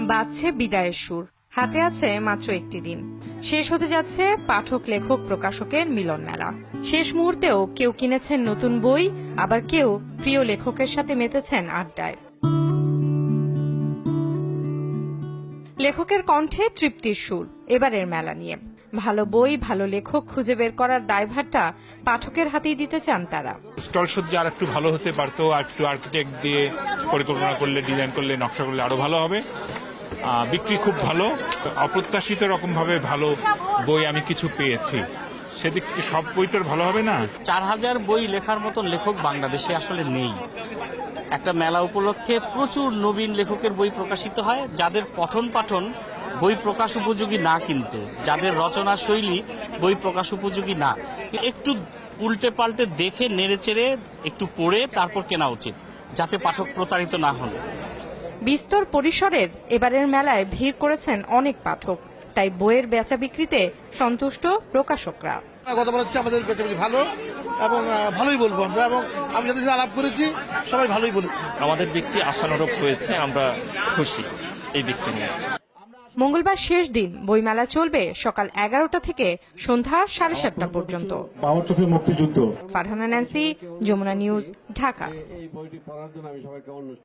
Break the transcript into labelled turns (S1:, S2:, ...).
S1: বাজছে বিদায়ের সুর, হাতে আছে মাত্র একটি দিন। শেষ হতে যাচ্ছে পাঠক লেখক প্রকাশকের মিলন মেলা। শেষ মুহূর্তেও কেউ কিনেছেন নতুন বই, আবার কেউ প্রিয় লেখকের সাথে মেতেছেন আড্ডায়। লেখকের কণ্ঠে তৃপ্তির সুর এবারের মেলা নিয়ে। ভালো বই, ভালো লেখক খুঁজে বের করার দায়ভারটা পাঠকের হাতেই দিতে চান তারা।
S2: স্টল সজ্জা আর একটু ভালো হতে পারতো, আর একটু আর্কিটেক্ট দিয়ে পরিকল্পনা করলে, ডিজাইন করলে, নকশা করলে আরো ভালো হবে। বিক্রি খুব ভালো, অপ্রত্যাশিত রকম ভাবে ভালো বই আমি কিছু পেয়েছি। সেদিক থেকে সব বইটার ভালো হবে না।
S3: 4000 বই লেখার মতন লেখক বাংলাদেশে আসলে নেই। একটা মেলা উপলক্ষে প্রচুর নবীন লেখকের বই প্রকাশিত হয়, যাদের পঠন পাঠন বই প্রকাশ উপযোগী না, কিন্তু যাদের রচনা শৈলী বই প্রকাশ উপযোগী না। একটু উল্টে পাল্টে দেখে নেড়েচেড়ে একটু পড়ে তারপর কেনা উচিত, যাতে পাঠক প্রতারিত না হন।
S1: বিস্তর পরিসরের এবারের মেলায় ভিড় করেছেন অনেক পাঠক, তাই বইয়ের বেচা বিক্রিতে সন্তুষ্ট প্রকাশকরা।
S4: গতবার হচ্ছে আমাদের বেচাবিক্রি ভালো এবং ভালোই বলবো আমরা, এবং আমি যাদের সাথে আলাপ করেছি সবাই ভালোই বলেছে।
S5: আমাদের বিক্রি আশানুরূপ হয়েছে, আমরা খুশি এই বিক্রি নিয়ে।
S1: মঙ্গলবার শেষ দিন বইমেলা চলবে সকাল 11টা থেকে সন্ধ্যা 7:30 পর্যন্ত।
S6: বাবার চোখে মুক্তিযুদ্ধ।
S1: Farhana Nancy, Jamuna news, Dhaka.